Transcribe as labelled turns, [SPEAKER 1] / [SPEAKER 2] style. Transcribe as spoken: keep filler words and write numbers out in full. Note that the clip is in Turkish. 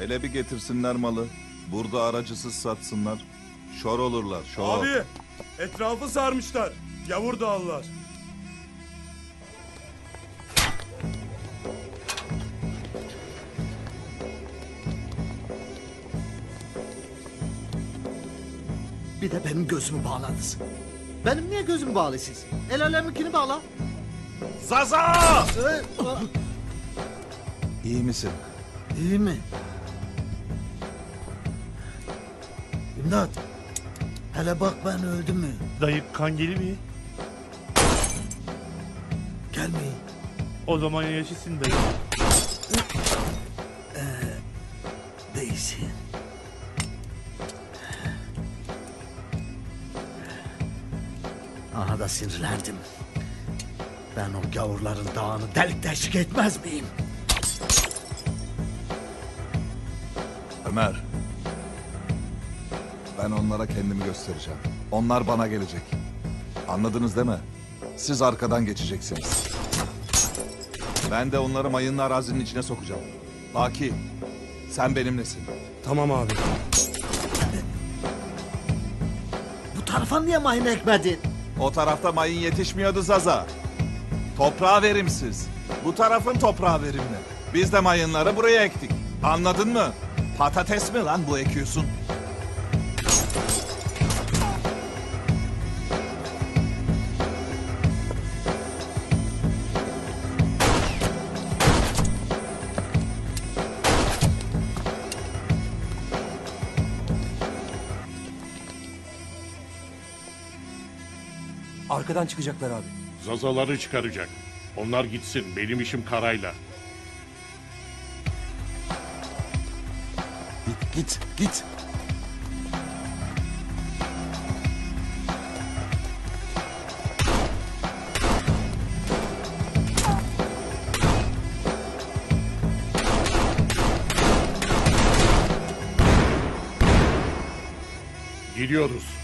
[SPEAKER 1] Hele bir getirsinler malı. Burada aracısız satsınlar. Şor olurlar, şor.
[SPEAKER 2] Abi, etrafı sarmışlar. Yavur dağlılar.
[SPEAKER 3] Bir de benim gözümü bağladınız. Benim niye gözüm bağlı siz? El aleminkini bağla.
[SPEAKER 1] Zaza!
[SPEAKER 3] Ee,
[SPEAKER 1] İyi misin?
[SPEAKER 3] İyi mi? İmdat. Hele bak ben öldüm mü?
[SPEAKER 4] Dayı kan gelir mi?
[SPEAKER 3] Gelmeyin.
[SPEAKER 4] O zaman yaşasın dayı.
[SPEAKER 3] Değilsin. Aha da sinirlendim. Ben o gavurların dağını delik deşik etmez miyim?
[SPEAKER 1] Ömer. Ben onlara kendimi göstereceğim. Onlar bana gelecek. Anladınız değil mi? Siz arkadan geçeceksiniz. Ben de onları mayınlı arazinin içine sokacağım. Baki, sen benimlesin.
[SPEAKER 2] Tamam abi.
[SPEAKER 3] Bu tarafa niye mayın ekmedin?
[SPEAKER 1] O tarafta mayın yetişmiyordu Zaza. Toprağı verimsiz. Bu tarafın toprağı verimli. Biz de mayınları buraya ektik. Anladın mı? Patates mi lan bu ekiyorsun?
[SPEAKER 5] Arkadan çıkacaklar abi.
[SPEAKER 6] Zazaları çıkaracak. Onlar gitsin. Benim işim karayla.
[SPEAKER 1] Git, git, git.
[SPEAKER 6] Gidiyoruz.